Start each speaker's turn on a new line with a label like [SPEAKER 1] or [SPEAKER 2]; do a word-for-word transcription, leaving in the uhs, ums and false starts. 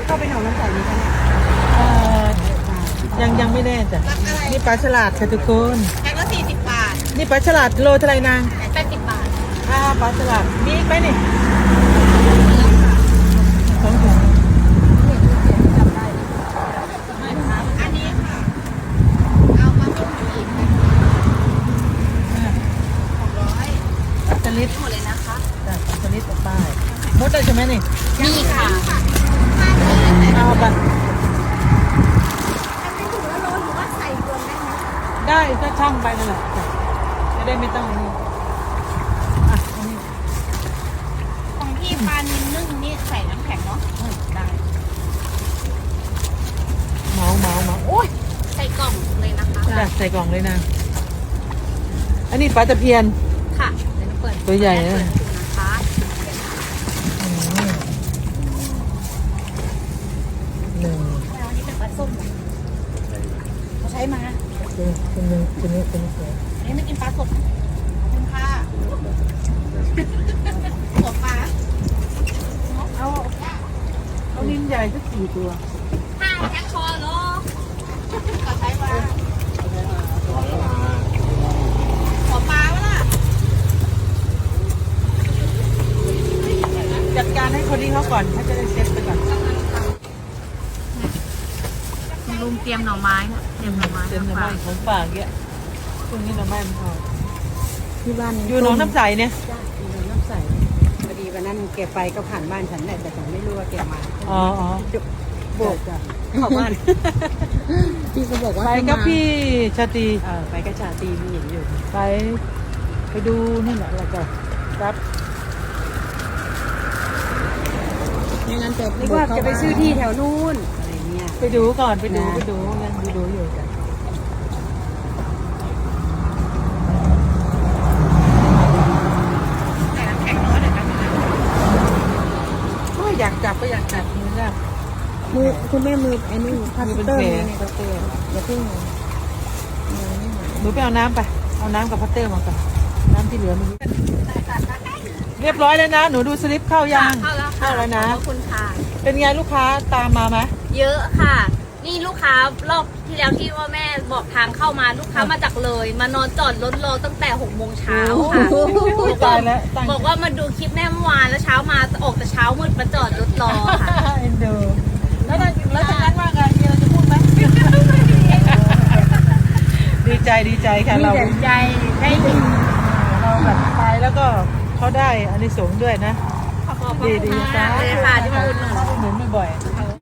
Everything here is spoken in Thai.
[SPEAKER 1] เข้าไปหนองน้ำใสนี้คะเนี่ย
[SPEAKER 2] เอ่อยังยังไม่แน่จ้ะนี่ปลาฉลาดค่ะทุกคน
[SPEAKER 1] แพ็คละสี่สิบบาท
[SPEAKER 2] นี่ปลาฉลาดโลเท่าไหร่นาง
[SPEAKER 1] แปดสิบบาท
[SPEAKER 2] อ่าปลาฉลาดมีอีกไหมนี่สองถุง
[SPEAKER 1] อันนี้ค่ะ เอามาต้มอีกหกร้อย
[SPEAKER 2] ปลาสลิด
[SPEAKER 1] หมดเลยนะคะ
[SPEAKER 2] จ้ะปลาสลิดออกไปหมดได้ใช่ไหมนี่
[SPEAKER 1] นี่ค่ะ
[SPEAKER 2] เอาไป
[SPEAKER 1] อันนี้ถุงละโลหรือว่าใส่รวมได้ไหม
[SPEAKER 2] ได้ก็ช่างไปนั่นแหละจ้ะจะได้ไม่ต้องอันนี้อ่ะอันนี้
[SPEAKER 1] ของพี่ปลานิลนึ่งนี่ใส่น้ำแข็งเนาะได้
[SPEAKER 2] เมาเมาเมาโอ้ย
[SPEAKER 1] ใส่กล่องเลยนะคะ
[SPEAKER 2] จ้ะใส่กล่องเลยนะอันนี้ปลาตะเพียน
[SPEAKER 1] ค่ะเดี๋ยวเปิด
[SPEAKER 2] ตัวใหญ่นะ
[SPEAKER 1] เปิดดูนะคะ
[SPEAKER 2] อืมหนึ่ง
[SPEAKER 1] แล้วอันนี้เป็นปลาส้มเหรอเขาใช้มา
[SPEAKER 2] ตัวตัวหนึ่งตัวนี้ตัวนี้สวย
[SPEAKER 1] อันนี้ไม่กินปลาสดขอบคุณค่ะหัวปลา
[SPEAKER 2] เอาเอาลิ้นใหญ่สักสี่ตัว
[SPEAKER 1] ห้าแจ็คคอเหรอก็ใช้มาหัวปลาวะล่ะ
[SPEAKER 2] จัดการให้คนนี้เขาก่อนเขาจะได้เซ็ตไปก่อน
[SPEAKER 1] ลุงเตรียมหน่อไม้นะเตรียมหน่อไม้
[SPEAKER 2] เต็มหน่อไม้ของฝากเยอะช่วงนี้หน่อไม้มันพอ
[SPEAKER 3] ที่บ้าน
[SPEAKER 2] อยู่หนองน้ำใสเนี่ย
[SPEAKER 3] จ้าอยู่หนองน้ำใสพอดีวันนั้นแกไปก็ผ่านบ้านฉันแหละแต่ฉันไม่รู้ว่าแกมา
[SPEAKER 2] อ๋ออ๋อ
[SPEAKER 3] โบกจ้ะเข้าบ้านพี่ก็บอกว่า
[SPEAKER 2] ไปกับพี่ชาตรี
[SPEAKER 3] เออไปกับชาตรีมีเห็นอยู่
[SPEAKER 2] ไปไปดูนี่แหละแล้วก็รับ
[SPEAKER 3] ไม่งั้นจะนึกว่าจะไปซื้อที่แถวนู้นอะไรเงี้ย
[SPEAKER 2] ไปดูก่อนไปดู
[SPEAKER 3] นะ
[SPEAKER 2] ไปดูยังดูดูอยู่จ้ะโอ้ยอยากจับก็อยากจับมือจับ
[SPEAKER 3] มือคุณแม่มือไอ้นี่พลาส
[SPEAKER 2] มือเป็น
[SPEAKER 3] เตอร์
[SPEAKER 2] แผล
[SPEAKER 3] นี่พลาสเตอร์อย่าเพิ่งมือนี่หน่อย
[SPEAKER 2] หนูไปเอาน้ำไปเอาน้ำกับพัตเตอร์มาก่อนน้ำที่เหลือไมันเรียบร้อยแล้วนะหนูดูสลิปเข้ายัง
[SPEAKER 1] เข้าแล้ว
[SPEAKER 2] เข้าแล้วนะ
[SPEAKER 1] ขอบคุณค่ะ
[SPEAKER 2] เป็นไงลูกค้าตามมาไหม
[SPEAKER 1] เยอะค่ะ นี่ลูกค้ารอบที่แล้วที่ว่าแม่บอกทางเข้ามาลูกค้ามาจากเลย มานอนจอดรถรอตั้งแต่หกโมงเช้าค่ะ
[SPEAKER 2] โอ้โหตายแล้วตั้ง
[SPEAKER 1] บอกว่ามาดูคลิปแม่เมื่อวานแล้วเช้ามาออกแต่เช้ามืดมาจอดรถรอค่ะ
[SPEAKER 2] เอ็นดูแล้วนั่นแล้วจากนั้นว่าไงมีอะไรจะพูดไหม ดีใจดีใจค่ะ
[SPEAKER 3] มี
[SPEAKER 2] เรา
[SPEAKER 3] แต่ใจได้ดี
[SPEAKER 2] เราแบบไปแล้วก็เขาได้อานิสงส์ด้วยนะ
[SPEAKER 1] ขอบคุณ
[SPEAKER 2] ดีดี
[SPEAKER 1] มากเลยค่ะที่มาอุดหนุน
[SPEAKER 2] มาอุดหนุนบ่อยๆ